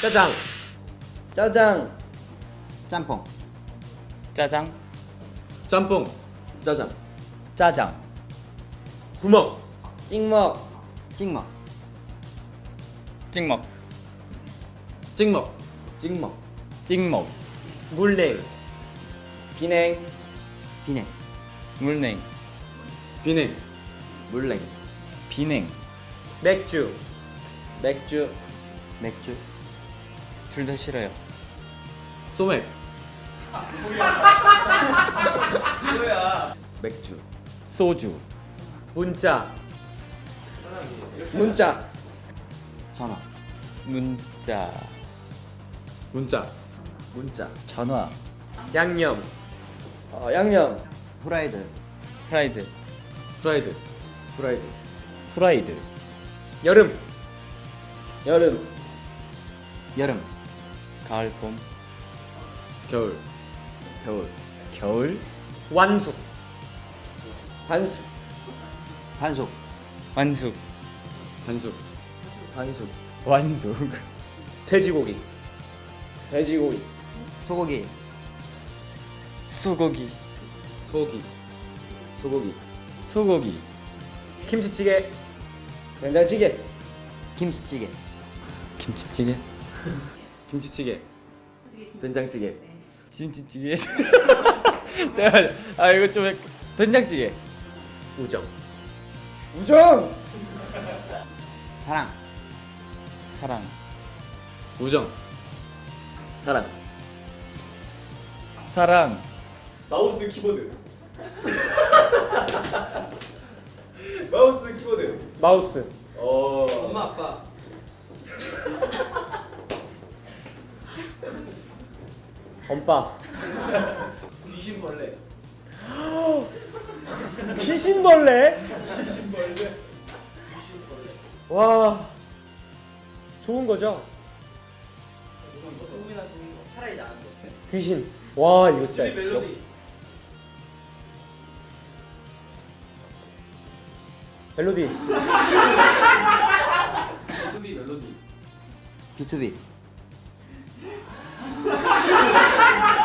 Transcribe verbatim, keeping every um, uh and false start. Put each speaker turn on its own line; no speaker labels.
짜장.
짜장.
짬뽕.
짜장.
짬뽕. 짜장.
짜장.
구먹.
찍먹.
찍먹.
찍먹.
찍먹.
찍먹.
찍먹.
물냉.
비냉.
비냉.
물냉.
비냉.
물냉.
비냉.
맥주.
맥주.
맥주.
둘 다 싫어요.
소맥.
맥주.
소주.
문자.
문자.
전화.
문자.
문자.
문자.
전화.
양념.
어, 양념.
후라이드.
프라이드.
프라이드.
프라이드.
프라이드.
여름.
여름.
여름.
가을 봄.
겨울.
겨울.
겨울.
완숙.
반숙.
반숙.
완숙.
반숙.
반숙.
완숙.
돼지고기.
돼지고기.
소고기.
소고기.
소고기.
소고기.
소고기.
김치찌개.
된장찌개.
김치찌개.
김치찌개.
김치찌개.
된장찌개.
김치찌개. 잠깐만. 아 이거 좀 약- 된장찌개.
우정.
우정.
사랑.
사랑.
우정.
사랑.
사랑.
마우스 키보드. 마우스 키보드.
마우스.
어.
엄마 아빠.
엄빠.
귀신벌레.
귀신벌레? 귀신벌레. 와. 좋은 거죠?
차라리 나은 거.
귀신. 와 이거 진짜.
멜로디.
멜로디.
비투비 멜로디.
비투비.